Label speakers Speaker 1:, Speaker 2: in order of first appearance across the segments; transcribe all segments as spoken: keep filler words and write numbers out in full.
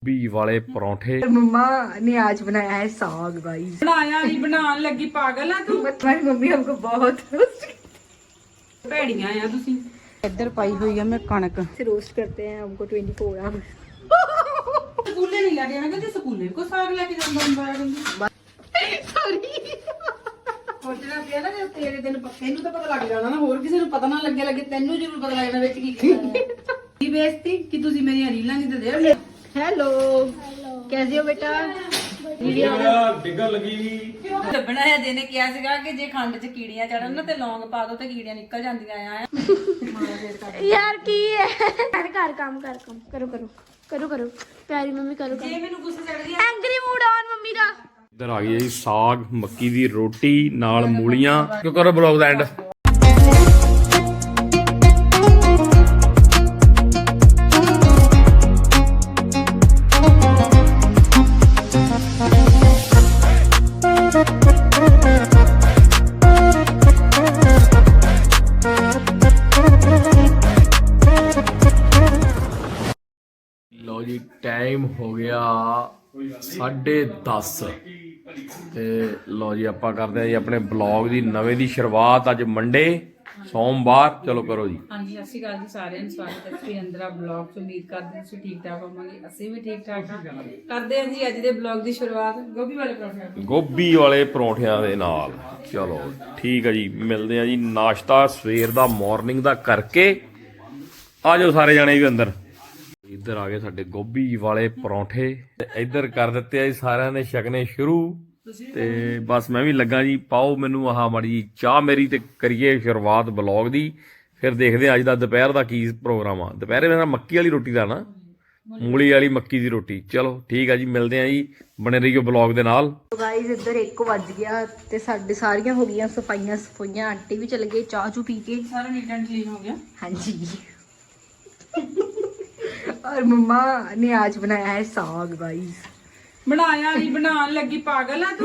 Speaker 1: B वाले परोठे।
Speaker 2: मम्मा ने आज बनाया है साग गाइस।
Speaker 3: बनाया नहीं बनाने लगी पागल है तू।
Speaker 2: तुम्हारी मम्मी हमको बहुत
Speaker 3: ਭੈੜੀਆਂ ਆ ਤੁਸੀਂ। ਇੱਧਰ ਪਾਈ ਹੋਈ ਆ ਮੈਂ ਕਣਕ।
Speaker 2: से रोस्ट करते हैं हमको ट्वेंटी फोर आवर्स।
Speaker 3: ਸਕੂਲੇ ਨਹੀਂ ਲੈ ਕੇ ਜਾਣਾ ਕਿ ਸਕੂਲੇ ਕੋ ਸਾਗ ਲੈ ਕੇ ਜਾਂਦਾ ਹੁੰਦਾ ਹੈ।
Speaker 2: सॉरी
Speaker 3: ਸੋਚਣਾ ਪਿਆ ਨਾ ਜੇ ਤੇਰੇ ਦਿਨ ਤੈਨੂੰ ਤਾਂ ਪਤਾ ਲੱਗ ਜਾਣਾ ਨਾ, ਹੋਰ ਕਿਸੇ ਨੂੰ ਪਤਾ ਨਾ ਲੱਗੇ ਲੱਗੇ ਤੈਨੂੰ ਜ਼ਰੂਰ ਪਤਾ ਲੱਗ ਜਾਣਾ ਵਿੱਚ ਕੀ ਕੀਤਾ। ਕੀ ਬੇਇੱਜ਼ਤੀ ਕਿ ਤੁਸੀਂ ਮੇਰੀਆਂ ਰੀਲਾਂ ਨਹੀਂ ਦਿੰਦੇ।
Speaker 2: हेलो कैसे हो बेटा?
Speaker 1: डिगन लगी
Speaker 3: ਲੱਭਣਾ ਹੈ ਜਿਹਨੇ ਕਿਹਾ ਸੀਗਾ ਕਿ ਜੇ ਖੰਡ 'ਚ ਕੀੜੀਆਂ ਚੜਨ ਨਾ ਤੇ ਲੌਂਗ ਪਾ ਦੋ ਤੇ ਕੀੜੀਆਂ ਨਿਕਲ ਜਾਂਦੀਆਂ ਆ।
Speaker 4: यार की है कर कर काम कर काम करो करो करो करो प्यारी मम्मी करो
Speaker 3: ਜੇ ਮੈਨੂੰ ਗੁੱਸਾ ਚੜਦੀ
Speaker 4: एंग्री मूड ऑन मम्मी दा
Speaker 1: इधर आ गई है जी साग मक्की दी रोटी नाल मूलियां। क्यों करो ब्लॉग दा एंड। लो जी टाइम हो गया साढ़े दस ਤੇ ਲਓ ਜੀ ਆਪਾਂ ਕਰਦੇ ਆ ਜੀ ਆਪਣੇ ਬਲੌਗ ਦੀ ਨਵੇਂ ਦੀ ਸ਼ੁਰੂਆਤ। ਅੱਜ ਮੰਡੇ ਸੋਮਵਾਰ। ਚਲੋ ਕਰੋ ਜੀ।
Speaker 3: ਹਾਂਜੀ ਸਤਿ ਸ਼੍ਰੀ ਅਕਾਲ ਜੀ ਸਾਰਿਆਂ ਨੂੰ। ਸਵਾਗਤ ਹੈ ਤੁਸੀਂ ਅੰਦਰਾ ਬਲੌਗ ਚ। ਉਮੀਦ ਕਰਦੇ ਹਾਂ ਤੁਸੀਂ ਠੀਕ ਠਾਕ ਹੋਵੋਗੇ। ਅਸੀਂ ਵੀ ਠੀਕ ਠਾਕ ਹਾਂ। ਕਰਦੇ ਹਾਂ ਜੀ ਅੱਜ ਦੇ ਬਲੌਗ ਦੀ ਸ਼ੁਰੂਆਤ ਗੋਭੀ ਵਾਲੇ ਪਰੌਂਠਿਆਂ
Speaker 1: ਗੋਭੀ ਵਾਲੇ ਪਰੌਂਠਿਆਂ ਦੇ ਨਾਲ। ਚਲੋ ਠੀਕ ਹੈ ਜੀ, ਮਿਲਦੇ ਆ ਜੀ। ਨਾਸ਼ਤਾ ਸਵੇਰ ਦਾ ਮਾਰਨਿੰਗ ਦਾ ਕਰਕੇ ਆ ਜਾਓ ਸਾਰੇ ਜਾਣੇ ਵੀ ਅੰਦਰ। ਇੱਧਰ ਆ ਗਏ ਸਾਡੇ ਗੋਭੀ ਵਾਲੇ ਪਰੌਂਠੇ ਤੇ ਇੱਧਰ ਕਰ ਦਿੱਤੇ ਆ ਜੀ ਸਾਰਿਆਂ ਨੇ ਛਕਣੇ ਸ਼ੁਰੂ। ਤੇ ਬਸ ਮੈਂ ਵੀ ਲੱਗਾ ਜੀ, ਪਾਓ ਮੈਨੂੰ ਆਹ ਮਾੜੀ ਚਾਹ ਮੇਰੀ ਤੇ ਕਰੀਏ ਸ਼ੁਰੂਆਤ ਬਲੌਗ ਦੀ। ਫਿਰ ਦੇਖਦੇ ਆ ਅੱਜ ਦਾ ਦੁਪਹਿਰ ਦਾ ਕੀ ਪ੍ਰੋਗਰਾਮ ਆ। ਦੁਪਹਿਰੇ ਮੇਰਾ ਮੱਕੀ ਵਾਲੀ ਰੋਟੀ ਦਾ ਨਾ, ਮੂਲੀ ਵਾਲੀ ਮੱਕੀ ਦੀ ਰੋਟੀ। ਚਲੋ ਠੀਕ ਆ ਜੀ, ਮਿਲਦੇ ਆ ਜੀ, ਬਣੇ ਰਹੀਓ ਬਲੌਗ ਦੇ ਨਾਲ।
Speaker 2: गाइस इधर एक ਵੱਜ ਗਿਆ ਤੇ ਸਾਡੇ ਸਾਰੀਆਂ ਹੋ ਗਈਆਂ ਸਫਾਈਆਂ ਸਫਾਈਆਂ। ਆਂਟੀ ਵੀ ਚਲੇ ਗਏ ਚਾਹ ਚੂ ਪੀ ਕੇ।
Speaker 3: ਸਾਰਾ ਨੀਟ ਐਂਡ ਕਲੀਨ ਹੋ ਗਿਆ।
Speaker 2: हाँ जी और मम्मा ने आज बनाया है साग गाइस।
Speaker 3: ਬਣਾਇਆ ਨਹੀਂ ਬਣਾਉਣ ਲੱਗੀ ਪਾਗਲ ਆ ਤੂੰ।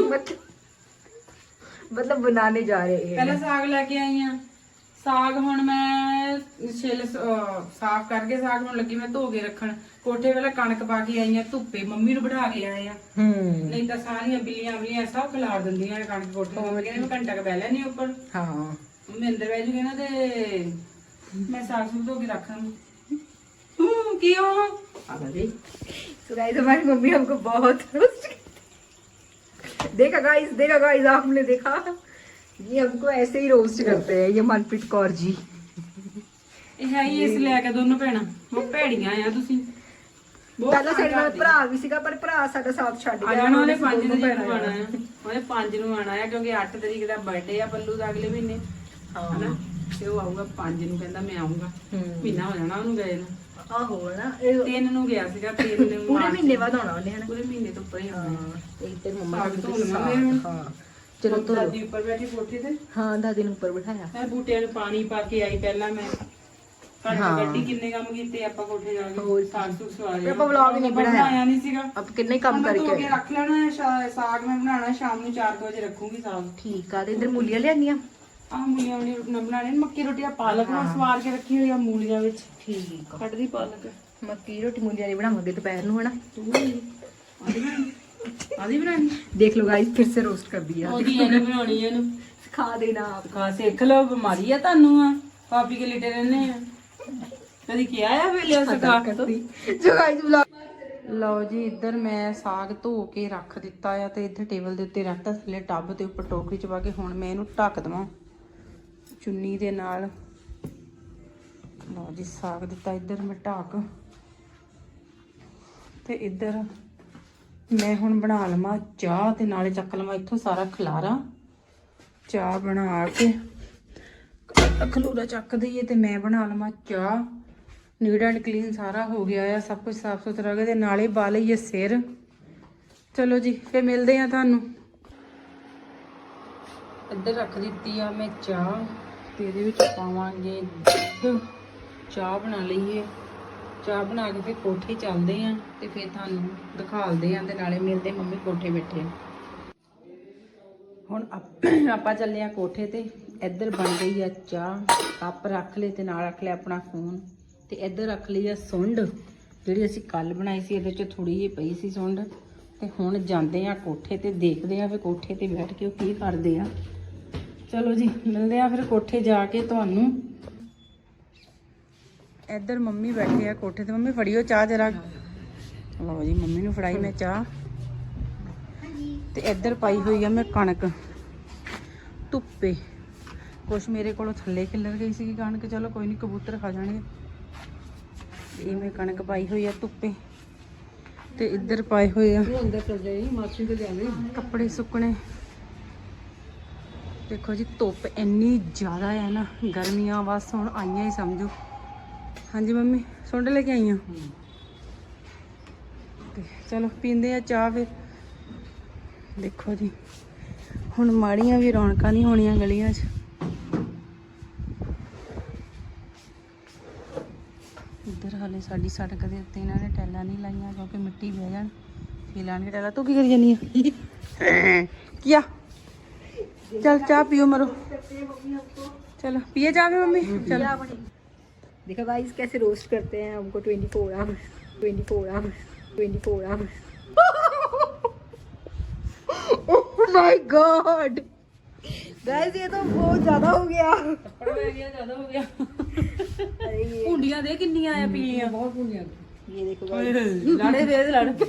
Speaker 2: मतलब बनाने जा रहे हैं।
Speaker 3: ਪਹਿਲਾਂ ਸਾਗ ਲੈ ਕੇ ਆਈ ਆ। ਸਾਗ ਹੁਣ ਮੈਂ ਛਿੱਲ ਅਹ ਸਾਫ਼ ਕਰਕੇ ਸਾਗ ਹੁਣ ਲੱਗੀ ਮੈਂ ਧੋ ਕੇ ਰੱਖਣ। ਕੋਠੇ ਵੇਲੇ ਕਣਕ ਪਾ ਕੇ ਆਈ ਆ ਧੁੱਪੇ। ਮੰਮੀ ਨੂੰ ਬਿਠਾ ਕੇ ਆਏ ਆ,
Speaker 2: हम्म
Speaker 3: ਨਹੀਂ ਤਾਂ ਸਾਰੀਆਂ ਬਿੱਲੀਆਂ ਬਿੱਲੀਆਂ ਸਭ ਖਿਲਾਰ ਦਿੰਦੀਆਂ ਨੇ ਕਣਕ ਕੋਠੇ ਤੇ। ਕਹਿੰਦੇ ਮੈਂ ਘੰਟਾ ਕ ਬਹਿ ਲੈਣੀ ਉੱਪਰ।
Speaker 2: हाँ
Speaker 3: ਮੰਮੀ ਅੰਦਰ ਬਹਿ ਜੂਗੇ ਨਾ ਤੇ ਮੈਂ ਸਾਗ ਸੁਗ ਧੋ ਕੇ ਰੱਖਾਂ। ਤੂੰ ਕੀ ਹੋ
Speaker 2: तो गाइस हमारी मम्मी हमको बहुत रोस्ट देखा गाइस देखा गाइस आपने देखा, ये हमको ऐसे ही रोस्ट करते हैं ये मनप्रीत कौर जी।
Speaker 3: ਇਹ ਹੈ ਹੀ ਇਸ ਲੈ ਕੇ ਦੋਨੋਂ ਭੈਣਾਂ ਉਹ ਭੈੜੀਆਂ ਆ ਤੁਸੀਂ।
Speaker 2: ਪਹਿਲਾਂ ਸਾਡੇ ਨਾਲ ਭਰਾ ਵੀ ਸੀਗਾ ਪਰ ਭਰਾ ਸਾਡਾ ਸਾਥ ਛੱਡ
Speaker 3: ਆ
Speaker 2: ਗਿਆ।
Speaker 3: ਜਾਣਾ ਉਹਨੇ ਪੰਜ ਤਰੀਕ ਨੂੰ ਆਣਾ ਆ। ਉਹਨੇ ਪੰਜ ਨੂੰ ਆਣਾ ਆ ਕਿਉਂਕਿ ਅੱਠ ਤਰੀਕ ਦਾ ਬਰਥਡੇ ਆ ਪੱਲੂ ਦਾ ਅਗਲੇ ਮਹੀਨੇ। ਹਨਾ ਤੇ ਉਹ ਆਊਗਾ ਪੰਜ ਨੂੰ, ਕਹਿੰਦਾ ਮੈਂ ਆਉਂਗਾ। ਮਹੀਨਾ ਹੋ ਜਾਣਾ ਉਹਨੂੰ ਗਏ ਨੂੰ।
Speaker 2: ਆਹੋ ਨਾ ਇਹ
Speaker 3: ਤਿੰਨ ਨੂੰ ਗਿਆ ਸੀਗਾ। ਤਿੰਨ ਨੂੰ
Speaker 2: ਪੂਰੇ ਮਹੀਨੇ ਬਾਅਦ ਆਉਣਾ ਉਹਨੇ ਹਨਾ।
Speaker 3: ਪੂਰੇ ਮਹੀਨੇ ਤੋਂ ਉੱਪਰ ਹੀ ਆਉਣਾ।
Speaker 2: ਹਾਂ ਇੱਕ ਤੇ ਮੰਮਾ
Speaker 3: ਸਾਗ
Speaker 2: ਨੇ
Speaker 3: ਧੋ ਲਵਾਂ ਮੈਂ।
Speaker 2: ਹਾਂ ਚਲੋ ਧੋ ਲਓ।
Speaker 3: ਦਾਦੀ ਉੱਪਰ ਬੈਠੀ ਕੋਠੇ ਤੇ।
Speaker 2: ਹਾਂ ਦਾਦੀ ਨੂੰ ਉੱਪਰ ਬਿਠਾਇਆ।
Speaker 3: ਮੈਂ ਬੂਟਿਆਂ ਨੂੰ ਪਾਣੀ ਪਾ ਕੇ ਆਈ ਪਹਿਲਾਂ। ਮੈਂ ਕਣਕ ਗੱਡੀ ਕਿੰਨੇ ਕੰਮ ਕੀਤੇ ਆਪਾਂ ਕੋਠੇ ਜਾ ਕੇ। ਸਾਗ ਸੁਗ ਸਵਾ ਲਿਆ।
Speaker 2: ਆਪਾਂ ਵਲੌਗ ਨਹੀਂ ਬਣਾਇਆ
Speaker 3: ਨਹੀਂ ਸੀਗਾ।
Speaker 2: ਅਬ ਕਿੰਨੇ ਕੰਮ
Speaker 3: ਮੈਂ ਧੋ
Speaker 2: ਕਰਕੇ
Speaker 3: ਕੇ ਰੱਖ ਲੈਣਾ ਹੈ। ਸ਼ਾ- ਸਾਗ ਮੈਂ ਬਣਾਉਣਾ ਸ਼ਾਮ ਨੂੰ ਚਾਰ ਵਜੇ ਰੱਖੂਗੀ ਸਾਗ।
Speaker 2: ਠੀਕ ਆ। ਤੇ ਇਧਰ ਮੂਲੀਆਂ ਲਿਆਂਦੀਆਂ।
Speaker 3: ਆਹ ਮੂਲੀਆਂ ਵਾਲੀ ਰੋਟੀ ਬਣਾਣੀ। ਮੱਕੀ ਰੋਟੀ ਆ ਪਾਲਕ ਨਾਲ ਸਵਾਰ ਕੇ ਰੱਖੀ ਹੋਈ ਆ ਮੂਲੀਆਂ ਵਿੱਚ।
Speaker 2: ਠੀਕ ਆ।
Speaker 3: ਕੱਢਦੀ ਪਾਲਕ।
Speaker 2: ਮੱਕੀ ਰੋਟੀ ਮੂਲੀਆਂ ਦੀ ਬਣਾਵਾਂਗੇ ਦੁਪਹਿਰ ਨੂੰ ਹਨਾ।
Speaker 3: ਤੂੰ ਆਦੀ ਬਣਾਣੀ ਆਦੀ ਬਣਾਣੀ
Speaker 2: देख लो गाइस फिर से रोस्ट कर दिया।
Speaker 3: ਉਹਦੀ ਇਹਨੇ ਬਣਾਉਣੀ ਇਹਨੂੰ
Speaker 2: सिखा देना आप।
Speaker 3: ਖਾ ਸਿੱਖ ਲਓ। ਬਿਮਾਰੀ ਆ ਤੁਹਾਨੂੰ ਆ ਕਾਪੀ ਕੇ ਲਿਟੇ ਰਹਿੰਦੇ ਆ। ਕਦੀ ਕਿਹਾ ਆ ਵੇਲੇ ਸਿਖਾ ਕੇ ਤੋਂ।
Speaker 2: जो गाइस ब्लॉग
Speaker 3: ਲਓ ਜੀ ਇੱਧਰ ਮੈਂ ਸਾਗ ਧੋ ਕੇ ਰੱਖ ਦਿੱਤਾ ਆ ਤੇ ਇੱਧਰ ਟੇਬਲ ਦੇ ਉੱਤੇ ਰੱਖਤਾ ਥੱਲੇ ਟੱਬ ਤੇ ਉੱਪਰ ਟੋਕਰੀ ਚ ਪਾ ਕੇ। ਹੁਣ ਮੈਂ ਇਹਨੂੰ ਢੱਕ ਦਵਾਂ ਚੁੰਨੀ ਦੇ ਨਾਲ। ਲਓ ਜੀ ਸਾਗ ਦਿੱਤਾ ਇੱਧਰ ਮੈਂ ਢੱਕ। ਤੇ ਇੱਧਰ ਮੈਂ ਹੁਣ ਬਣਾ ਲਵਾਂ ਚਾਹ ਤੇ ਨਾਲੇ ਚੱਕ ਲਵਾਂ ਇੱਥੋਂ ਸਾਰਾ ਖਲਾਰਾ। ਚਾਹ ਬਣਾ ਕੇ ਖਲੂਰਾ ਚੱਕ ਦਈਏ ਤੇ ਮੈਂ ਬਣਾ ਲਵਾਂ ਚਾਹ। ਨੀਟ ਐਂਡ ਕਲੀਨ ਸਾਰਾ ਹੋ ਗਿਆ ਆ, ਸਭ ਕੁਝ ਸਾਫ ਸੁਥਰਾ ਹੋ ਗਿਆ ਤੇ ਨਾਲੇ ਪਾ ਲਈਏ ਸਿਰ। ਚਲੋ ਜੀ ਫੇਰ ਮਿਲਦੇ ਆ ਤੁਹਾਨੂੰ। ਇੱਧਰ ਰੱਖ ਦਿੱਤੀ ਆ ਮੈਂ ਚਾਹ ਤੇ ਇਹਦੇ ਵਿੱਚ ਪਾਵਾਂਗੇ ਦੁੱਧ। ਚਾਹ ਬਣਾ ਲਈਏ। ਚਾਹ ਬਣਾ ਕੇ ਫਿਰ ਕੋਠੇ ਚੱਲਦੇ ਆ ਤੇ ਫਿਰ ਤੁਹਾਨੂੰ ਦਿਖਾਲਦੇ ਆ ਤੇ ਨਾਲੇ ਮਿਲਦੇ ਮੰਮੀ ਕੋਠੇ ਬੈਠੇ ਆ। ਹੁਣ ਆਪਾਂ ਚੱਲੇ ਆ ਕੋਠੇ ਤੇ। ਇੱਧਰ ਬਣ ਗਈ ਆ ਚਾਹ। ਕੱਪ ਰੱਖ ਲਏ ਤੇ ਨਾਲ ਰੱਖ ਲਿਆ ਆਪਣਾ ਫੋਨ ਤੇ ਇੱਧਰ ਰੱਖ ਲਈ ਆ ਸੁੰਡ। ਜਿਹੜੀ ਅਸੀਂ ਕੱਲ ਬਣਾਈ ਸੀ ਇਹਦੇ ਚ ਥੋੜੀ ਜਿਹੀ ਪਈ ਸੀ ਸੁੰਡ। ਤੇ ਹੁਣ ਜਾਂਦੇ ਆ ਕੋਠੇ ਤੇ, ਦੇਖਦੇ ਆ ਫਿਰ ਕੋਠੇ ਤੇ ਬੈਠ ਕੇ ਉਹ ਕੀ ਕਰਦੇ ਆ। ਚਲੋ ਜੀ ਮਿਲਦੇ ਆ ਫਿਰ ਕੋਠੇ ਜਾ ਕੇ ਤੁਹਾਨੂੰ। ਇੱਧਰ ਮੰਮੀ ਬੈਠੇ ਆ ਕੋਠੇ ਤੇ। ਮੰਮੀ ਫੜਿਓ ਚਾਹ ਜਰਾ। ਲਓ ਜੀ ਮੰਮੀ ਨੂੰ ਫੜਾਈ ਮੈਂ ਚਾਹ। ਤੇ ਇੱਧਰ ਪਾਈ ਹੋਈ ਆ ਮੈਂ ਕਣਕ ਧੁੱਪੇ। ਕੁਛ ਮੇਰੇ ਕੋਲੋਂ ਥੱਲੇ ਖਿਲਰ ਗਈ ਸੀ ਕਣਕ, ਚਲੋ ਕੋਈ ਨਹੀਂ ਕਬੂਤਰ ਖਾ ਜਾਣਗੇ। ਇਹ ਮੈਂ ਕਣਕ ਪਾਈ ਹੋਈ ਆ ਧੁੱਪੇ। ਤੇ ਇੱਧਰ ਪਾਏ ਹੋਏ ਆ ਕੱਪੜੇ ਸੁੱਕਣੇ। ਦੇਖੋ ਜੀ ਧੁੱਪ ਇੰਨੀ ਜ਼ਿਆਦਾ ਹੈ ਨਾ, ਗਰਮੀਆਂ ਬਸ ਹੁਣ ਆਈਆਂ ਹੀ ਸਮਝੋ। ਹਾਂਜੀ ਮੰਮੀ ਸੁੰਡ ਲੈ ਕੇ ਆਈਆਂ। ਤੇ ਚਲੋ ਪੀਂਦੇ ਆ ਚਾਹ ਫਿਰ। ਦੇਖੋ ਜੀ ਹੁਣ ਮਾੜੀਆਂ ਵੀ ਰੌਣਕਾਂ ਨਹੀਂ ਹੋਣੀਆਂ ਗਲੀਆਂ 'ਚ। ਇੱਧਰ ਹਾਲੇ ਸਾਡੀ ਸੜਕ ਦੇ ਉੱਤੇ ਇਹਨਾਂ ਨੇ ਟੈਲਾਂ ਨਹੀਂ ਲਾਈਆਂ ਕਿਉਂਕਿ ਮਿੱਟੀ ਬਹਿ ਜਾਣ ਫਿਰ ਲਾਣਗੇ ਟੈਲਾਂ। ਤੂੰ ਕੀ ਕਰੀ ਜਾਨੀ ਆ? ਕੀਆ चल चाय पियो मरो। चलो पिए चाय में मम्मी। चलो
Speaker 2: देखो गाइस कैसे रोस्ट करते हैं हमको twenty four hours twenty four hours twenty four hours. Oh my god guys ये तो बहुत ज्यादा हो गया।
Speaker 3: ज्यादा हो गया। भुंडियां दे किन्नियां आया पीलियां बहुत भुंडियां।
Speaker 2: ये देखो गाइस
Speaker 3: लाड़े दे लड़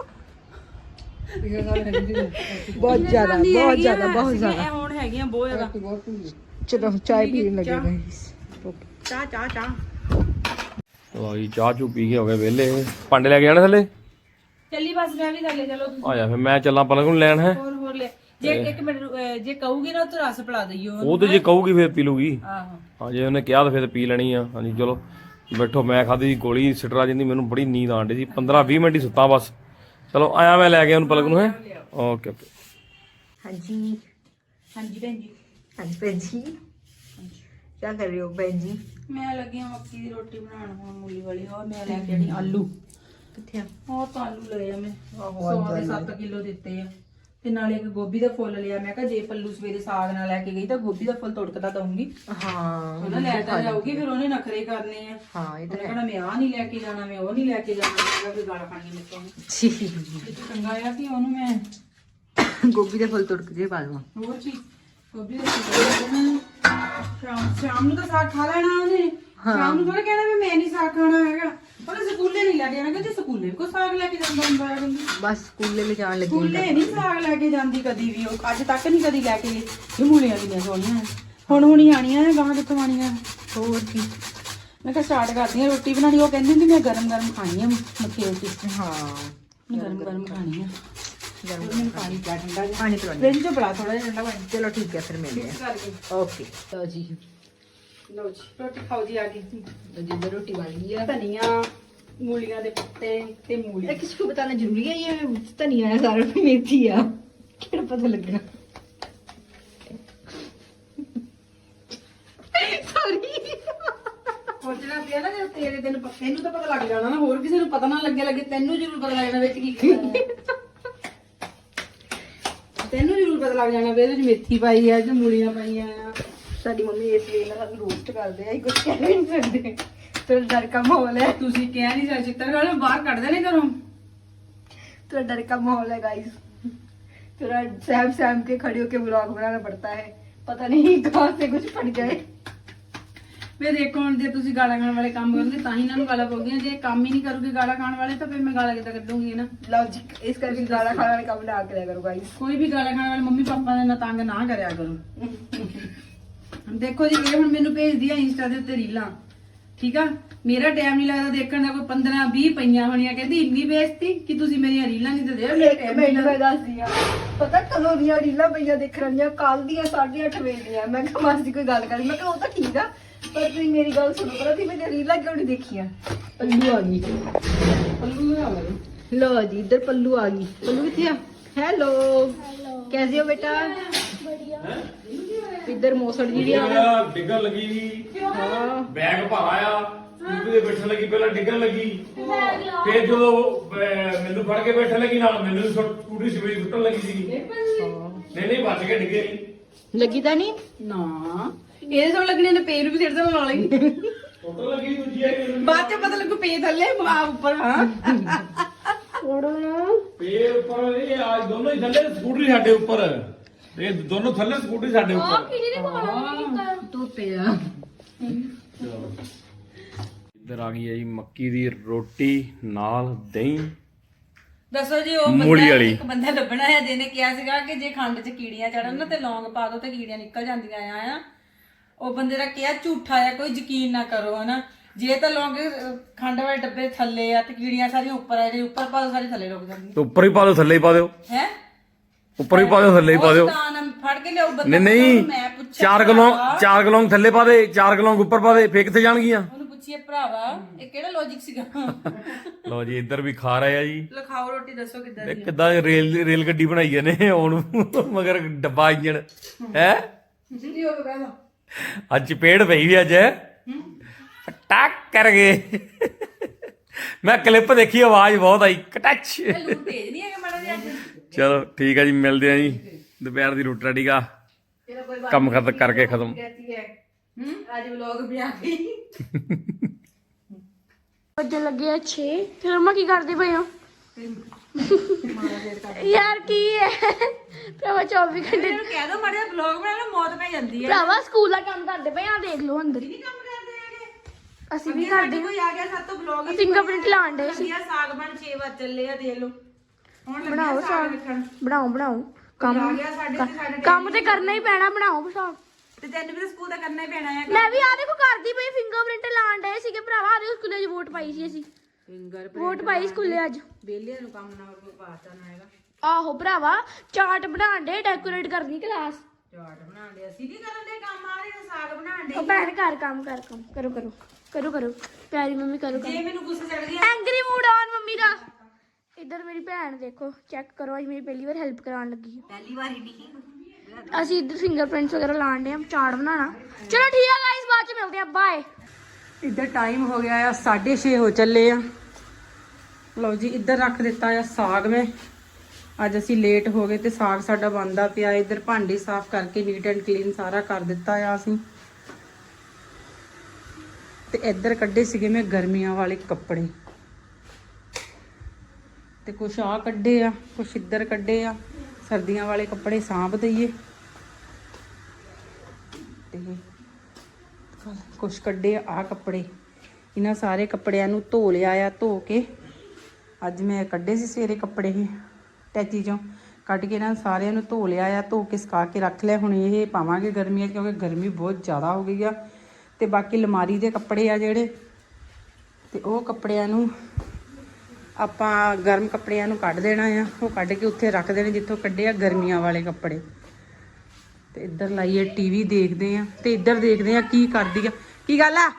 Speaker 2: बहुत ज्यादा बहुत ज्यादा बहुत ज्यादा
Speaker 3: ਹੁਣ ਹੈਗੀਆਂ ਬਹੁਤ ਜ਼ਿਆਦਾ।
Speaker 2: चलो चाय पीने लगे गाइस।
Speaker 3: ਚਾਹ ਚਾਹ ਚਾਹ
Speaker 1: ਲਓ ਜੀ ਚਾਹ ਚੂ ਪੀ ਕੇ ਹੋ ਗਏ ਵਿਹਲੇ। ਭਾਂਡੇ ਲੈ ਕੇ ਜਾਣੇ ਥੱਲੇ?
Speaker 3: ਚੱਲੀ ਬਸ ਮੈਂ ਵੀ ਥੱਲੇ। ਚਲੋ ਤੁਸੀਂ
Speaker 1: ਆ ਜਾ ਫਿਰ ਮੈਂ ਚੱਲਾਂ ਪਲਕ ਨੂੰ ਲੈਣ ਹੈ।
Speaker 3: ਹੋਰ ਹੋਰ ਲੈ। ਜੇ ਇੱਕ ਮਿੰਟ ਅਹ, ਜੇ ਕਹੂਗੀ ਨਾ ਤਾਂ ਰਸ ਪਿਲਾ ਦਈਓ।
Speaker 1: ਉਹ ਤੇ ਜੇ ਕਹੂਗੀ ਫਿਰ ਪੀ ਲੂਗੀ।
Speaker 3: ਆਹੋ
Speaker 1: ਹਾਂ ਜੇ ਉਹਨੇ ਕਿਹਾ ਤਾਂ ਫਿਰ ਪੀ ਲੈਣੀ ਆ। ਹਾਂਜੀ ਚਲੋ ਬੈਠੋ। ਮੈਂ ਖਾਧੀ ਗੋਲੀ ਸਿਟਰਾਜਨ ਦੀ, ਮੈਨੂੰ ਬੜੀ ਨੀਂਦ ਆਣ ਡਈ ਸੀ। ਪੰਦਰਾਂ ਵੀਹ ਮਿੰਟ ਹੀ ਸੁੱਤਾ ਬਸ। ਚਲੋ ਆਇਆ ਮੈਂ ਲੈ ਕੇ ਉਹਨੂੰ ਪਲਕ ਨੂੰ ਹੈ। Okay okay.
Speaker 2: हाँ जी
Speaker 3: ਹਾਂਜੀ ਭੈਣ ਜੀ।
Speaker 2: हाँ जी बहन जी क्या कर रहे हो बहन जी?
Speaker 3: ਮੈਂ ਲੱਗੀ ਹਾਂ ਮੱਕੀ ਦੀ ਰੋਟੀ ਬਣਾਉਣ ਹੁਣ ਮੂਲੀ ਵਾਲੀ। ਹੋਰ ਮੈਂ ਲੈ ਕੇ ਆਣੀ ਆਲੂ।
Speaker 2: किथे
Speaker 3: ਹੋਰ ਤਾਂ ਆਲੂ ਲਏ ਆ ਮੈਂ।
Speaker 2: ਆਹੋ,
Speaker 3: ਸੌ ਦੇ ਸੱਤ ਕਿਲੋ ਦਿੱਤੇ ਆ। ਤੇ ਨਾਲੇ ਇੱਕ ਗੋਭੀ ਦਾ ਫੁੱਲ ਲਿਆ। ਮੈਂ ਕਿਹਾ ਜੇ ਪੱਲੂ ਸਵੇਰੇ ਸਾਗ ਨਾਲ ਲੈ ਕੇ ਗਈ ਤਾਂ ਗੋਭੀ ਦਾ ਫੁੱਲ ਤੋੜਕਦਾ ਦਊਂਗੀ।
Speaker 2: हाँ
Speaker 3: ਉਹਨਾਂ ਲੈ ਤਾਂ ਜਾਊਗੀ ਫਿਰ ਉਹਨੇ ਨਖਰੇ ਕਰਨੇ ਆ।
Speaker 2: हाँ ये तो
Speaker 3: ਉਹਨੇ ਕਹਿਣਾ ਮੈਂ ਆ ਨਹੀਂ ਲੈ ਕੇ ਜਾਣਾ, ਮੈਂ ਉਹ ਨਹੀਂ ਲੈ ਕੇ ਜਾਣਾ। ਮੈਂ ਵੀ ਗਾਲਾਂ ਖਾਣੀਆਂ ਮੇਰੇ ਤੋਂ।
Speaker 2: है
Speaker 3: ਇਹ ਤਾਂ ਚੰਗਾ ਆ ਕਿ ਉਹਨੂੰ ਮੈਂ
Speaker 2: गोभी के फल तोड़ के पा दूंगा।
Speaker 3: ਹੋਰ ਚੀਜ਼ ਗੋਭੀ ਦਾ ਫੁੱਲ ਦੇਣਾ। ਸ਼ਾਮ ਸ਼ਾਮ ਨੂੰ ਤਾਂ ਸਾਗ ਖਾ ਲੈਣਾ ਉਹਨੇ। ਸ਼ਾਮ ਨੂੰ ਥੋੜਾ ਕਹਿਣਾ ਵੀ ਮੈਂ ਨਹੀਂ ਸਾਗ ਖਾਣਾ ਹੈਗਾ। ਉਹਨੇ ਸਕੂਲੇ ਨਹੀਂ ਲੈ ਕੇ ਜਾਣਾ ਕਿ ਸਕੂਲੇ ਵੀ ਕੋਈ ਸਾਗ ਲੈ ਕੇ ਜਾਂਦਾ ਹੁੰਦਾ ਹੈ।
Speaker 2: बस स्कूल ले जाने लगी
Speaker 3: ਸਕੂਲੇ ਨਹੀਂ ਸਾਗ ਲੈ ਕੇ ਜਾਂਦੀ ਕਦੀ ਵੀ। ਉਹ ਅੱਜ ਤੱਕ ਨਹੀਂ ਕਦੀ ਲੈ ਕੇ ਗਈ। ਇਹ ਮੂਲੀਆਂ ਕਿੰਨੀਆਂ ਸੋਹਣੀਆਂ ਹੁਣ ਹੁਣੀ ਆਣੀਆਂ ਨੇ। ਗਾਂ ਕਿੱਥੋਂ ਆਣੀਆਂ?
Speaker 2: और की
Speaker 3: ਮੈਂ ਕਿਹਾ ਸਟਾਰਟ ਕਰਦੀ ਹਾਂ ਰੋਟੀ ਬਣਾਉਣੀ। ਉਹ ਕਹਿੰਦੀ ਹੁੰਦੀ ਮੈਂ ਗਰਮ ਗਰਮ ਖਾਣੀ ਆ ਮੱਕੀ ਰੋਟੀ।
Speaker 2: हाँ
Speaker 3: ਮੈਂ ਗਰਮ ਗਰਮ ਖਾਣੀ ਆ।
Speaker 2: गर्म
Speaker 3: ਮੈਨੂੰ ਪਾਣੀ ਪਿਆ ਠੰਡਾ ਜਿਹਾ।
Speaker 2: पानी पिलानी।
Speaker 3: ਫ੍ਰਿਜ ਚੋਂ ਬੜਾ ਥੋੜਾ ਜਿਹਾ ਠੰਡਾ ਪਾਣੀ
Speaker 2: चलो ठीक है फिर मिलते हैं।
Speaker 3: ਕਰਕੇ।
Speaker 2: ओके तो जी
Speaker 3: ਲਓ ਜੀ ਰੋਟੀ ਖਾਓ ਜੀ ਆ ਗਈ।
Speaker 2: तो जी इधर रोटी बन गई है।
Speaker 3: ਧਨੀਆ ਮੂਲੀਆਂ ਦੇ ਪੱਤੇ ਤੇ ਮੂਲੀ।
Speaker 2: ये किसी को बताना जरूरी है? ये धनिया है सारा मेथी है क्या पता लगना। सॉरी
Speaker 3: ਸੋਚਣਾ ਪਿਆ ਨਾ ਜੇ ਤੇਰੇ ਦਿਨ ਤੈਨੂੰ ਤਾਂ ਪਤਾ ਲੱਗ ਜਾਣਾ ਨਾ। ਹੋਰ ਕਿਸੇ ਨੂੰ ਪਤਾ ਨਾ ਲੱਗੇ ਲੱਗੇ ਤੈਨੂੰ ਜ਼ਰੂਰ ਪਤਾ ਲੱਗ ਜਾਣਾ ਵਿੱਚ ਕੀ ਕੀਤਾ। ਤੈਨੂੰ ਜ਼ਰੂਰ ਪਤਾ ਲੱਗ ਜਾਣਾ ਵੀ ਇਹਦੇ ਵਿੱਚ ਮੇਥੀ ਪਾਈ ਆ ਤੇ ਮੂਲੀਆਂ ਪਾਈਆਂ ਆ।
Speaker 2: ਸਾਡੀ ਮੰਮੀ ਇਸ ਵੇਲੇ ਨਾਲ ਸਾਨੂੰ ਰੋਸਟ ਕਰਦੇ ਆ। ਕੁਝ ਕਹਿ ਨਹੀਂ ਸਕਦੇ। ਤੇ ਡਰ का माहौल है।
Speaker 3: ਤੁਸੀਂ ਕਹਿ ਨਹੀਂ ਸਕਦੇ ਚਿੱਤਰ ਵਾਲੇ ਬਾਹਰ ਕੱਢਦੇ ਨੇ ਘਰੋਂ।
Speaker 2: थोड़ा डर का माहौल है गाइस। थोड़ा सहम सहम के खड़े होके व्लॉग बनाना पड़ता है। पता नहीं कहाँ से कुछ फट जाए।
Speaker 3: ਵੇ ਦੇਖੋ ਹੁਣ ਜੇ ਤੁਸੀਂ ਗਾਲਾਂ ਖਾਣ ਵਾਲੇ ਕੰਮ ਕਰੋਗੇ ਤਾਂ ਹੀ ਇਹਨਾਂ ਨੂੰ ਗਾਲਾਂ ਪਾਉਂਦੀਆਂ। ਜੇ ਕੰਮ ਹੀ ਨਹੀਂ ਕਰੋਗੇ ਗਾਲਾਂ ਖਾਣ ਵਾਲੇ ਤਾਂ ਫਿਰ ਮੈਂ ਗਾਲਾਂ ਕਿੱਦਾਂ ਕੱਢੂੰਗੀ ਨਾ।
Speaker 2: लॉजिक इस करके गाना खाने वाले काम ना करा करो गाइस।
Speaker 3: ਕੋਈ ਵੀ ਗਾਲਾਂ ਖਾਣ ਵਾਲੇ ਮੰਮੀ ਪਾਪਾ ਦੇ ਨਾਲ ਤੰਗ ਨਾ ਕਰਿਆ ਕਰੋ। ਦੇਖੋ ਜੀ ਇਹ ਹੁਣ ਮੈਨੂੰ ਭੇਜਦੀ ਆ ਇੰਸਟਾ ਦੇ ਉੱਤੇ ਰੀਲਾਂ। ਠੀਕ ਆ ਮੇਰਾ ਟਾਈਮ ਨਹੀਂ ਲੱਗਦਾ ਦੇਖਣ ਦਾ। ਕੋਈ ਪੰਦਰਾਂ ਵੀਹ ਪਈਆਂ ਹੋਣੀਆਂ। ਕਹਿੰਦੀ ਇੰਨੀ ਬੇਇੱਜ਼ਤੀ ਕਿ ਤੁਸੀਂ ਮੇਰੀਆਂ ਰੀਲਾਂ ਨਹੀਂ ਤੇ ਦੇ ਮੇਰਾ
Speaker 2: ਇੱਕ
Speaker 3: ਟਾਈਮ
Speaker 2: ਮਿੰਟ ਮੈਂ ਦੱਸਦੀ ਆ। ਪਤਾ ਕਦੋਂ ਦੀਆਂ ਰੀਲਾਂ ਪਈਆਂ ਦੇਖਣ ਦੀਆਂ? ਕੱਲ ਦੀਆਂ ਸਾਢੇ ਅੱਠ ਵਜੇ ਦੀਆਂ। ਮੈਂ ਕਿਹਾ ਮਾਸੀ ਕੋਈ ਗੱਲ ਕਰੀ। ਮੈਂ ਕਿਹਾ ਉਹ ਤਾਂ ਠੀਕ ਆ ਪਰ ਤੁਸੀਂ ਮੇਰੀ ਗੱਲ ਸੁਣੋ। ਪਤਾ ਤੁਸੀਂ ਮੇਰੀਆਂ ਰੀਲਾਂ ਕਿਉਂ ਨਹੀਂ ਦੇਖੀਆਂ? ਪੱਲੂ ਆ ਗਈ।
Speaker 3: ਪੱਲੂ ਆ ਗਏ।
Speaker 2: लो जी इधर पल्लू आ गई। पल्लू किथे? हेलो कैसे हो बेटा? इधर मौसड़ जी भी आ गई।
Speaker 1: ਡਿੱਗਣ ਲੱਗੀ
Speaker 2: हाँ
Speaker 1: ਬੈਗ ਭਾਰਾ ਆ ਸਕੂਟਰੀ ਤੇ ਬੈਠਣ ਲੱਗੀ। ਪਹਿਲਾਂ ਡਿੱਗਣ ਲੱਗੀ ਫਿਰ ਜਦੋਂ ਅਹ, ਮੈਨੂੰ ਫੜ ਕੇ ਬੈਠਣ ਲੱਗੀ ਨਾਲ ਮੈਨੂੰ ਵੀ ਸੁੱਟ- ਸਕੂਟਰੀ ਸਵੇਰੇ ਸੁੱਟਣ ਲੱਗੀ ਸੀ। ਨਹੀਂ ਨਹੀਂ ਬਚ ਕੇ ਡਿੱਗੇ ਨਹੀਂ।
Speaker 2: लगी था नहीं?
Speaker 3: ਨਾ ਇਹਦੇ ਸਭ ਲੱਗਣੇ ਨੇ ਪੇਰ ਵੀ ਸਿਰ ਤੇ ਲਾ ਲਈ। ਬਾਅਦ ਚ ਪਤਾ ਲੱਗੂ ਪੇ ਥੱਲੇ ਆ ਉੱਪਰ ਹਾਂ
Speaker 1: ਪੇ ਉੱਪਰ ਇਹ ਅੱਜ ਦੋਨੋਂ ਹੀ ਥੱਲੇ ਸਕੂਟਰੀ ਸਾਡੇ ਉੱਪਰ ਇਹ ਦੋਨੋਂ ਥੱਲੇ ਸਕੂਟਰੀ ਸਾਡੇ ਉੱਪਰ
Speaker 3: ਤੋਤੇ ਆ
Speaker 1: ਇੱਧਰ ਆ ਗਈ ਹੈ ਜੀ ਮੱਕੀ ਦੀ ਰੋਟੀ ਨਾਲ ਦਹੀਂ
Speaker 3: ਦੱਸੋ ਜੀ ਉਹ
Speaker 1: ਮੂਲੀ
Speaker 3: ਬੰਦਾ
Speaker 1: ਵਾਲੀ।
Speaker 3: ਇੱਕ ਬੰਦਾ ਲੱਭਣਾ ਹੈ ਜਿਹਨੇ ਕਿਹਾ ਸੀਗਾ ਕਿ ਜੇ ਖੰਡ 'ਚ ਕੀੜੀਆਂ ਚੜਨ ਨਾ ਤੇ ਲੌਂਗ ਪਾ ਦੋ ਤੇ ਕੀੜੀਆਂ ਨਿਕਲ ਜਾਂਦੀਆਂ ਆ ਆ ਉਹ ਬੰਦੇ ਦਾ ਕਿਹਾ ਝੂਠਾ ਆ ਕੋਈ ਯਕੀਨ ਨਾ ਕਰੋ ਹਨਾ ਜੇ ਤਾਂ ਲੌਂਗ ਅਹ, ਖੰਡ ਵਾਲੇ ਡੱਬੇ ਥੱਲੇ ਆ ਤੇ ਕੀੜੀਆਂ ਸਾਰੀਆਂ ਉੱਪਰ ਆ ਜੇ ਉੱਪਰ ਪਾ ਦੋ ਸਾਰੀ ਥੱਲੇ ਰੁਕ ਜਾਂਦੀ
Speaker 1: ਤੇ ਉੱਪਰ ਹੀ ਪਾ ਦਿਓ ਥੱਲੇ ਹੀ ਪਾ ਦਿਓ
Speaker 3: ਹੈ
Speaker 1: ਉੱਪਰ ਹੀ ਪਾ ਦਿਓ ਥੱਲੇ ਹੀ ਪਾ ਦਿਓ
Speaker 3: ਤਾਂ ਫੜ ਕੇ ਲਿਆਓ ਬੰਦਾ
Speaker 1: ਨਹੀਂ ਨਹੀਂ
Speaker 3: ਮੈਂ ਪੁੱਛਿਆ
Speaker 1: ਚਾਰ ਕਿਲੋ ਚਾਰ ਕਿਲੋ ਥੱਲੇ ਪਾ ਦੇ ਚਾਰ ਕਿਲੋ ਉੱਪਰ ਪਾ ਦੇ ਫੇਰ ਕਿੱਥੇ ਜਾਣਗੀਆਂ
Speaker 3: ਉਹਨੂੰ ਪੁੱਛੀਏ ਭਰਾਵਾ ਇਹ ਕਿਹੜਾ ਲੌਜੀਕ ਸੀਗਾ
Speaker 1: ਲਓ ਜੀ ਇੱਧਰ ਵੀ ਖਾ ਰਹੇ ਆ ਜੀ
Speaker 3: ਲਖਾਓ ਰੋਟੀ ਦੱਸੋ ਕਿੱਦਾਂ
Speaker 1: ਇਹ ਕਿੱਦਾਂ ਰੇਲ ਰੇਲ ਗੱਡੀ ਬਣਾਈ ਜਾਂਦੇ ਹੁਣ ਮਗਰ ਡੱਬਾ ਇੰਜਣ ਹੈ
Speaker 3: ਜੀ ਉਹ ਕਹਿੰਦਾ
Speaker 1: ਅੱਜ ਚਪੇੜ ਪਈ ਵੀ ਅੱਜ ਟੱਕ ਕਰ ਗਏ ਮੈਂ ਕਲਿੱਪ ਦੇਖੀ ਆਵਾਜ਼ ਬਹੁਤ ਆਈ ਕਟੱਚ
Speaker 3: ਲੂਣ ਤੇਜ਼ ਨਹੀਂ ਹੈਗਾ ਮਾੜਾ ਜਿਹਾ ਅੱਜ
Speaker 1: ਚਲੋ ਠੀਕ ਆ ਜੀ ਮਿਲਦੇ ਆ ਜੀ ਦੁਪਹਿਰ ਦੀ ਰੋਟੀ ਰਾਟੀ ਦਾ ਕੰਮ ਖਤਮ ਕਰਕੇ ਖਤਮ
Speaker 3: ਹੂੰ ਅੱਜ ਵਲੌਗ ਵੀ ਆ ਗਈ
Speaker 4: ਵੱਜਣ ਲੱਗੇ ਆ ਛੇ ਫਿਰ ਮੰਮਾ ਕੀ ਕਰਦੇ ਪਏ ਹੋ ਯਾਰ ਕੀ ਹੈ ਭਰਾਵਾ ਚੌਵੀ ਘੰਟੇ
Speaker 3: ਇਹਨੂੰ ਕਹਿ ਦੋ ਮਾੜਾ ਜਿਹਾ ਵਲੌਗ ਬਣਾ ਲਓ ਮੌਤ ਪੈ ਜਾਂਦੀ ਹੈ
Speaker 4: ਭਰਾਵਾ ਸਕੂਲ ਦਾ ਕੰਮ ਕਰਦੇ ਪਏ ਆ ਦੇਖ ਲਓ ਅੰਦਰ
Speaker 3: ਨਹੀਂ ਕੰਮ ਕਰਦੇ ਹੈਗੇ
Speaker 4: ਅਸੀਂ ਵੀ ਕਰਦੇ
Speaker 3: ਕੋਈ ਆ ਗਿਆ ਸਾਤੋਂ ਵਲੌਗ
Speaker 4: ਫਿੰਗਰਪ੍ਰਿੰਟ ਲਾਣ ਦੇ ਸੀ
Speaker 3: ਵਧੀਆ ਸਾਗ ਬਣ ਛੇ ਵਜੇ ਚੱਲੇ ਆ ਦੇਖ ਲਓ ਹੁਣ ਲੱਗਿਆ
Speaker 4: ਬਣਾਓ ਸਾਗ
Speaker 3: ਲਿਖਣ
Speaker 4: ਬਣਾਓ ਬਣਾਓ
Speaker 3: ਆ
Speaker 4: ਕੰਮ
Speaker 3: ਗਿਆ ਸਾਡੇ ਤੇ ਸਾਡੇ
Speaker 4: ਕੰਮ ਤੇ ਕਰਨਾ ਹੀ ਪੈਣਾ ਬਣਾਓ ਸਾਗ
Speaker 3: ਤੇ ਤੈਨੂੰ ਵੀ ਤਾਂ ਸਕੂਲ ਦਾ ਕਰਨਾ ਹੀ ਪੈਣਾ ਹੈ
Speaker 4: ਮੈਂ ਵੀ ਆ ਦੇਖੋ ਕਰਦੀ ਪਈ ਫਿੰਗਰਪ੍ਰਿੰਟ ਲਾਣ ਦੇ ਸੀਗੇ ਭਰਾਵਾ ਆ ਦੇਖੋ ਸਕੂਲੇ 'ਚ ਵੋਟ ਪਾਈ ਸੀ ਅਸੀਂ
Speaker 3: ਫਿੰਗਰ
Speaker 4: ਵੋਟ ਪਾਈ ਸਕੂਲੇ ਅੱਜ
Speaker 3: ਬੇਲੀਆਂ ਨੂੰ ਕੰਮ ਨਾ ਕੋਈ ਪਾਤਾ ਨਾ ਹੈਗਾ
Speaker 4: ਆਹੋ ਭਰਾਵਾ ਚਾਰਟ ਬਣਾਣ ਦੇ ਡੈਕੋਰੇਟ ਕਰਨੀ ਕਲਾਸ
Speaker 3: ਚਾਟ ਬਣਾਉਣ ਦੇ ਅਸੀਂ ਨਹੀਂ ਕਰਨ ਦੇ ਕੰਮ ਆ ਰਹੇ ਸਾਗ ਬਣਾਉਣ ਦੇ
Speaker 4: ਉਹ ਭੈਣ ਘਰ ਕੰਮ ਕਰ ਕੰਮ ਕਰੋ ਕਰੋ ਕਰੋ ਕਰੋ ਪਿਆਰੀ ਮੰਮੀ ਕਰੋ
Speaker 3: ਜੇ ਮੈਨੂੰ ਗੁੱਸਾ ਚੜ ਗਿਆ
Speaker 4: ਐਂਗਰੀ ਮੂਡ ਆਨ ਮੰਮੀ ਦਾ ਇੱਧਰ ਮੇਰੀ ਭੈਣ ਦੇਖੋ ਚੈੱਕ ਕਰੋ ਅੱਜ ਮੇਰੀ ਪਹਿਲੀ ਵਾਰ ਹੈਲਪ ਕਰਾਉਣ ਲੱਗੀ ਹੈ
Speaker 3: ਪਹਿਲੀ ਵਾਰੀ ਨਹੀਂ
Speaker 4: ਅਸੀਂ ਇੱਧਰ ਫਿੰਗਰਪ੍ਰਿੰਟਸ ਵਗੈਰਾ ਲਾਣ ਦੇ ਆ ਚਾਰਟ ਬਣਾਉਣਾ ਚਲੋ ਠੀਕ ਆ ਗਾਇਸ ਬਾਅਦ ਚ ਮਿਲਦੇ ਆ ਬਾਏ
Speaker 3: ਇੱਧਰ ਟਾਈਮ ਹੋ ਗਿਆ ਆ ਸਾਢੇ ਛੇ ਹੋ ਚੱਲੇ ਆ ਲਓ ਜੀ ਇੱਧਰ ਰੱਖ ਦਿੱਤਾ ਆ ਸਾਗ ਮੈਂ ਅੱਜ ਅਸੀਂ ਲੇਟ ਹੋ ਗਏ ਤੇ ਸਾਗ ਸਾਡਾ ਬਣਦਾ ਪਿਆ ਇੱਧਰ ਭਾਂਡੇ ਸਾਫ਼ ਕਰਕੇ ਨੀਟ ਐਂਡ ਕਲੀਨ ਸਾਰਾ ਕਰ ਦਿੱਤਾ ਆ ਅਸੀਂ ਤੇ ਇੱਧਰ ਕੱਢੇ ਸੀਗੇ ਮੈਂ ਗਰਮੀਆਂ ਵਾਲੇ ਕੱਪੜੇ ਤੇ ਕੁਛ ਆ ਕੱਢੇ ਆ ਕੁਛ ਇੱਧਰ ਕੱਢੇ ਆ ਸਰਦੀਆਂ ਵਾਲੇ ਕੱਪੜੇ ਸਾਂਭ ਦਈਏ ਤੇ ਕੁਛ ਕੱਢੇ ਆ ਆਹ ਕੱਪੜੇ ਇਹਨਾਂ ਸਾਰੇ ਕੱਪੜਿਆਂ ਨੂੰ ਧੋ ਲਿਆ ਆ ਧੋ ਕੇ ਅੱਜ ਮੈਂ ਕੱਢੇ ਸੀ ਸਵੇਰੇ ਕੱਪੜੇ ਇਹ ਟੈਚੀ ਚੋਂ ਕੱਢ ਕੇ ਇਹਨਾਂ ਸਾਰਿਆਂ ਨੂੰ ਧੋ ਲਿਆ ਆ ਧੋ ਕੇ ਸੁਕਾ ਕੇ ਰੱਖ ਲਿਆ ਹੁਣ ਇਹ ਪਾਵਾਂਗੇ ਗਰਮੀਆਂ 'ਚ ਕਿਉਂਕਿ ਗਰਮੀ ਬਹੁਤ ਜ਼ਿਆਦਾ ਹੋ ਗਈ ਆ ਤੇ ਬਾਕੀ ਅਲਮਾਰੀ ਦੇ ਕੱਪੜੇ ਆ ਜਿਹੜੇ ਤੇ ਉਹ ਕੱਪੜਿਆਂ ਨੂੰ ਆਪਾਂ ਗਰਮ ਕੱਪੜਿਆਂ ਨੂੰ ਕੱਢ ਦੇਣਾ ਆ ਉਹ ਕੱਢ ਕੇ ਉੱਥੇ ਰੱਖ ਦੇਣੇ ਜਿੱਥੋਂ ਕੱਢੇ ਆ ਗਰਮੀਆਂ ਵਾਲੇ ਕੱਪੜੇ ਤੇ ਇੱਧਰ ਲਾਈਏ ਟੀਵੀ ਦੇਖਦੇ ਆ ਤੇ ਇੱਧਰ ਦੇਖਦੇ ਆ ਕੀ ਕਰਦੀ ਆ ਕੀ ਗੱਲ ਆ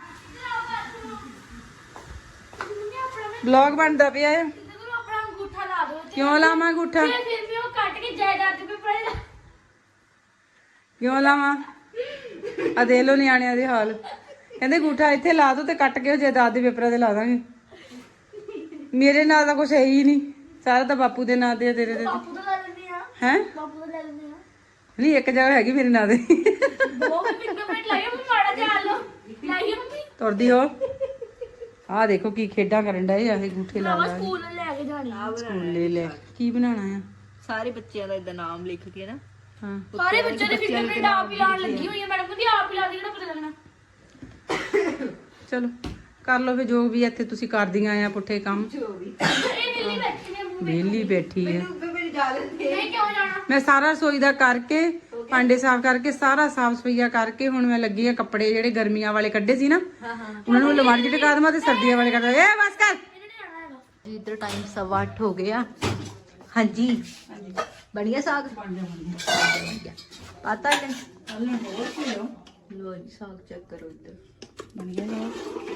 Speaker 3: ਵਲੌਗ ਬਣਦਾ ਪਿਆ ਆ
Speaker 4: ਆਪਣਾ ਅੰਗੂਠਾ ਲਾ ਦਿਓ
Speaker 3: ਕਿਉਂ ਲਾਵਾਂ ਅੰਗੂਠਾ
Speaker 4: ਫਿਰ ਫਿਰ ਵੀ ਉਹ ਕੱਟ ਕੇ ਜਾਇਦਾਦ ਦੇ ਪੇਪਰ ਲਾ
Speaker 3: ਕਿਉਂ ਲਾਵਾਂ ਆ ਦੇਖ ਲੋ ਨਿਆਣਿਆਂ ਦੇ ਹਾਲ ਕਹਿੰਦੇ ਅੰਗੂਠਾ ਇੱਥੇ ਲਾ ਦੋ ਤੇ ਕੱਟ ਕੇ ਉਹ ਜਾਇਦਾਦ ਦੇ ਪੇਪਰਾਂ ਤੇ ਲਾ ਦਾਂਗੇ ਮੇਰੇ ਨਾਂ ਦਾ ਕੁਛ ਹੈ ਹੀ ਨਹੀਂ ਸਾਰਾ ਤਾਂ ਬਾਪੂ ਦੇ ਨਾਂ ਤੇ ਆ ਤੇਰੇ ਤੇ
Speaker 4: ਬਾਪੂ ਤੋਂ ਲੈ ਲੈਂਦੇ ਆ
Speaker 3: ਹੈ
Speaker 4: ਬਾਪੂ ਤੋਂ ਲੈ ਲੈਂਦੇ ਆ
Speaker 3: ਨਹੀਂ ਇੱਕ ਜਗ੍ਹਾ ਹੈਗੀ ਮੇਰੇ ਨਾਂ ਦੇ
Speaker 4: ਦੋ ਫਿੰਗਰਪ੍ਰਿੰਟ ਲਾਈਏ ਮੰਮੀ ਮਾੜਾ ਜਿਹਾ ਆ ਲਓ ਲਾਈਏ ਮੰਮੀ
Speaker 3: ਤੁਰਦੀ ਹੋ ਆਹ ਦੇਖੋ ਕੀ ਖੇਡਾਂ ਕਰਨ ਡਏ ਆ ਇਹ ਅੰਗੂਠੇ ਲਾ
Speaker 4: ਭਰਾਵਾ
Speaker 3: ਲਾ ਕੇ।
Speaker 4: ਸਕੂਲ ਲੈ ਕੇ ਜਾਣੀ ਆ
Speaker 3: ਸਕੂਲੇ ਲੈ ਕੀ ਬਣਾਉਣਾ ਆ
Speaker 2: ਸਾਰੇ ਬੱਚਿਆਂ ਦਾ ਇਦਾਂ ਨਾਮ ਲਿਖ ਕੇ ਨਾ
Speaker 3: ਹਾਂ
Speaker 4: ਸਾਰੇ ਬੱਚਿਆਂ ਦੇ ਫਿੰਗਰਪ੍ਰਿੰਟ ਆਪ ਹੀ ਲਾਉਣ ਲੱਗੀ ਹੋਈ ਹੈ ਮੈਡਮ ਕਹਿੰਦੀ ਆਪ ਹੀ ਲਾ ਦੀ ਕਿਹੜਾ ਪਤਾ ਲੱਗਣਾ
Speaker 3: ਚਲੋ ਕਰ ਲਓ ਫੇ ਜੋ ਵੀ ਇੱਥੇ ਤੁਸੀਂ ਕਰਦੀਆਂ ਆ ਪੁੱਠੇ ਕੰਮ
Speaker 4: ਇਹ ਨੀਲੀ ਬੈਠੀ ਨੇ
Speaker 3: ਵਿਹਲੀ ਬੈਠੀ ਆ
Speaker 4: ਨਹੀਂ ਕਿਉਂ ਜਾਣਾ
Speaker 3: ਮੈਂ ਸਾਰਾ ਰਸੋਈ ਦਾ ਕਰਕੇ ਭਾਂਡੇ ਸਾਫ਼ ਕਰਕੇ ਸਾਰਾ ਸਾਫ਼ ਸਫਾਈਆ ਕਰਕੇ ਹੁਣ ਮੈਂ ਲੱਗੀ ਆ ਕੱਪੜੇ ਜਿਹੜੇ ਗਰਮੀਆਂ ਵਾਲੇ ਕੱਢੇ ਸੀ ਨਾ ਉਹਨਾਂ ਨੂੰ ਲਵਾੜ ਜਿਹੜੇ ਕਾਦਮਾ ਤੇ ਸਰਦੀਆਂ ਵਾਲੇ ਕੱਢ ਏ ਬਸ ਕਰ
Speaker 2: ਜੀ ਇਧਰ ਟਾਈਮ ਸਵਾ ਅੱਠ ਹੋ ਗਿਆ ਹਾਂਜੀ ਬਣ ਗਿਆ ਸਾਗ ਪਤਾ ਹੈ ਲੋ ਜੀ ਸਾਗ ਚੈੱਕ ਕਰੋ ਇੱਧਰ ਬਣ ਗਿਆ ਨਾ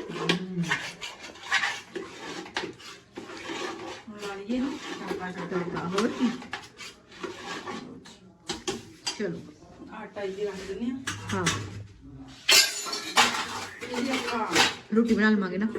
Speaker 3: ਲਾਈਏ ਨੂੰ
Speaker 2: ਤੜਕਾ ਹੋਰ ਕੀ
Speaker 3: ਚਲੋ ਆਟਾ ਇਹ ਰੱਖ ਦਿੰਦੇ ਆ
Speaker 2: ਹਾਂ
Speaker 3: ਇਹ ਆਪਾਂ
Speaker 2: ਰੋਟੀ ਬਣਾ ਲਵਾਂਗੇ ਨਾ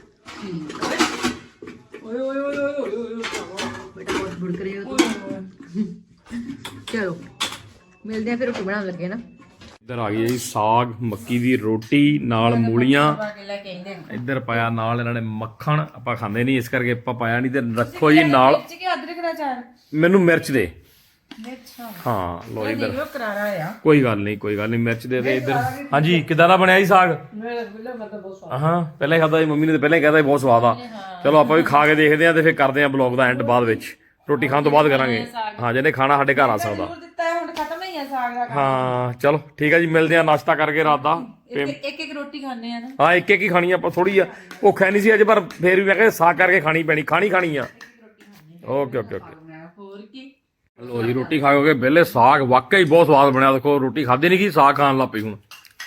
Speaker 3: ਓਏ ਓਏ ਓਏ ਓਏ ਓਏ ਓਏ
Speaker 2: ਬੇਟਾ ਬਹੁਤ ਬੁੜਕ ਰਹੇ ਹੋ ਚਲੋ ਮਿਲਦੇ ਆ ਫਿਰ ਰੋਟੀ ਬਣਾਉਣ ਲੱਗੇ ਨਾ
Speaker 1: ਇੱਧਰ ਆ ਗਈ ਜੀ ਸਾਗ ਮੱਕੀ ਦੀ ਰੋਟੀ ਨਾਲ ਮੂਲੀਆਂ। ਇੱਧਰ ਪਾਇਆ ਨਾਲ ਇਹਨਾਂ ਨੇ ਮੱਖਣ, ਆਪਾਂ ਖਾਂਦੇ ਨਹੀਂ ਇਸ ਕਰਕੇ ਆਪਾਂ ਪਾਇਆ ਨਹੀਂ। ਤੇ ਰੱਖੋ ਜੀ ਨਾਲ
Speaker 3: ਅਦਰਕ ਦਾ ਚਾਰ
Speaker 1: ਮੈਨੂੰ ਮਿਰਚ ਦੇ।
Speaker 3: ਮਿਰਚ
Speaker 1: ਹਾਂ ਲੋ ਇੱਧਰ
Speaker 3: ਇਹ ਕਰਾਰਾ ਆ।
Speaker 1: ਕੋਈ ਗੱਲ ਨਹੀਂ ਕੋਈ ਗੱਲ ਨਹੀਂ ਮਿਰਚ ਦੇ ਦੇ ਇੱਧਰ। ਹਾਂਜੀ ਕਿਦਾਂ ਦਾ ਬਣਿਆ ਜੀ ਸਾਗ? ਹਾਂ ਪਹਿਲਾਂ ਹੀ ਖਾਦਾ ਜੀ, ਮੰਮੀ ਨੇ ਤਾਂ ਪਹਿਲਾਂ ਹੀ ਕਹਿਤਾ ਬਹੁਤ ਸਵਾਦ ਆ। ਚਲੋ ਆਪਾਂ ਵੀ ਖਾ ਕੇ ਦੇਖਦੇ ਆ ਤੇ ਫਿਰ ਕਰਦੇ ਆ ਬਲੌਗ ਦਾ ਐਂਡ ਬਾਅਦ ਵਿੱਚ, ਰੋਟੀ ਖਾਣ ਤੋਂ ਬਾਅਦ ਕਰਾਂਗੇ। ਹਾਂ ਜਿਹਨੇ ਖਾਣਾ ਸਾਡੇ ਘਰ ਆ ਸਕਦਾ।
Speaker 3: ਹੁਣ ਖਤਮ ਹੀ ਆ ਸਾਗ ਦਾ।
Speaker 1: ਹਾਂ ਚਲੋ ਠੀਕ ਆ ਜੀ, ਮਿਲਦੇ ਆ ਨਾਸ਼ਤਾ ਕਰਕੇ ਰਾਤ ਦਾ।
Speaker 3: ਇੱਕ ਇੱਕ ਰੋਟੀ ਖਾਣੇ ਆ ਨਾ।
Speaker 1: ਹਾਂ ਇੱਕ ਇੱਕ ਹੀ ਖਾਣੀ ਆਪਾਂ, ਥੋੜੀ ਆ ਭੁੱਖ ਹੈ ਨਹੀਂ ਸੀ ਅੱਜ, ਪਰ ਫੇਰ ਵੀ ਮੈਂ ਕਿਹਾ ਸਾਗ ਕਰਕੇ ਖਾਣੀ ਪੈਣੀ, ਖਾਣੀ ਖਾਣੀ ਆ। ਓਕੇ ਓਕੇ ਓਕੇ
Speaker 3: ਹੋਰ ਕੀ
Speaker 1: ਲੋ ਜੀ ਰੋਟੀ ਖਾ ਕੇ ਵਿਹਲੇ। ਸਾਗ ਵਾਕਈ ਬਹੁਤ ਸਵਾਦ ਬਣਿਆ। ਦੇਖੋ ਰੋਟੀ ਖਾਧੀ ਨਹੀਂ ਗਈ, ਸਾਗ ਖਾਣ ਲੱਗ ਪਈ ਹੁਣ।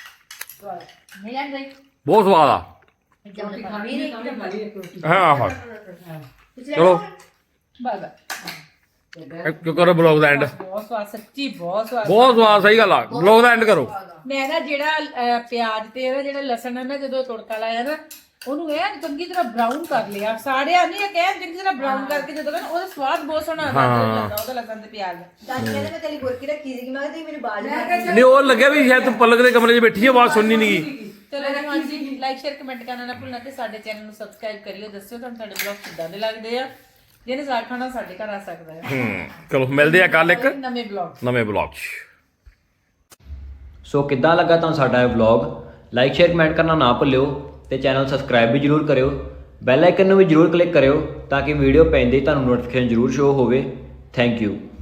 Speaker 1: ਬਹੁਤ ਸਵਾਦ ਆ। ਹਾਂ ਹਾਂ ਚਲੋ ਕਿਉਂ ਕਰੋ ਬਲੌਗ ਦਾ ਐਂਡ।
Speaker 3: ਬਹੁਤ ਸਵਾਦ, ਸੱਚੀ ਬਹੁਤ ਸਵਾਦ
Speaker 1: ਬਹੁਤ ਸਵਾਦ, ਸਹੀ ਗੱਲ ਆ। ਬਲੌਗ ਦਾ ਐਂਡ ਕਰੋ।
Speaker 3: ਮੈਂ ਨਾ ਜਿਹੜਾ ਅਹ, ਪਿਆਜ਼ ਤੇ ਇਹਦਾ ਜਿਹੜਾ ਲਸਣ ਹੈ ਨਾ, ਜਦੋਂ ਤੜਕਾ ਲਾਇਆ ਨਾ ਉਹਨੂੰ ਇਹ ਚੰਗੀ ਤਰ੍ਹਾਂ ਬਰਾਊਨ ਕਰ ਲਿਆ। ਸਾੜਿਆ ਨਹੀਂ, ਇਹ ਕਹਿ ਚੰਗੀ ਤਰ੍ਹਾਂ ਬਰਾਊਨ ਕਰਕੇ ਜਦੋਂ ਨਾ ਉਹਦਾ ਸਵਾਦ ਬਹੁਤ ਸੋਹਣਾ ਆਉਂਦਾ ਉਹਦਾ ਲਸਣ ਤੇ ਪਿਆਜ਼ ਦਾ।
Speaker 2: ਦਾਦੀ ਕਹਿੰਦੇ ਮੈਂ ਤੇਰੀ ਗੋਰਕੀ ਰੱਖੀ ਸੀ, ਮੈਂ ਕਿਹਾ ਤੁਸੀਂ ਮੈਨੂੰ ਬਾਜ
Speaker 1: ਨਹੀਂ ਉਹ ਲੱਗਿਆ ਵੀ ਸ਼ਾਇਦ ਤੂੰ ਪਲਕ ਦੇ ਕਮਰੇ 'ਚ ਬੈਠੀ ਆ, ਆਵਾਜ਼ ਸੁਣਨੀ ਨਹੀਂ ਗਈ।
Speaker 3: ਚਲੋ ਜੀ ਹਾਂਜੀ, ਲਾਈਕ ਸ਼ੇਅਰ ਕਮੈਂਟ ਕਰਨਾ ਨਾ ਭੁੱਲਣਾ ਤੇ ਸਾਡੇ ਚੈਨਲ ਨੂੰ ਸਬਸਕ੍ਰਾਈਬ ਕਰਿਓ। ਦੱਸਿਓ ਤੁਹਾਨੂੰ ਸਾਡੇ ਬਲੌਗ ਕਿੱਦਾਂ ਦੇ ਲੱਗਦੇ ਆ। ਜਿਹਨੇ ਸਾਗ ਖਾਣਾ ਸਾਡੇ ਘਰ ਆ ਸਕਦਾ ਹੈ।
Speaker 1: ਹੂੰ ਚਲੋ ਮਿਲਦੇ ਆ ਕੱਲ ਇੱਕ
Speaker 3: ਨਵੇਂ ਬਲੌਗ
Speaker 1: ਨਵੇਂ ਬਲੌਗ 'ਚ।
Speaker 5: ਸੋ ਕਿੱਦਾਂ ਲੱਗਾ ਤੁਹਾਨੂੰ ਸਾਡਾ ਇਹ ਵਲੌਗ? ਲਾਈਕ ਸ਼ੇਅਰ ਕਮੈਂਟ ਕਰਨਾ ਨਾ ਭੁੱਲਿਓ ਤੇ ਚੈਨਲ ਸਬਸਕ੍ਰਾਈਬ ਵੀ ਜਰੂਰ ਕਰਿਓ। ਬੈਲ ਆਈਕਨ ਨੂੰ ਵੀ ਜਰੂਰ ਕਲਿੱਕ ਕਰਿਓ ਤਾਂ ਕਿ ਵੀਡੀਓ ਪੈਂਦੇ ਹੀ ਤੁਹਾਨੂੰ ਨੋਟੀਫਿਕੇਸ਼ਨ ਜਰੂਰ ਸ਼ੋ ਹੋਵੇ। Thank you.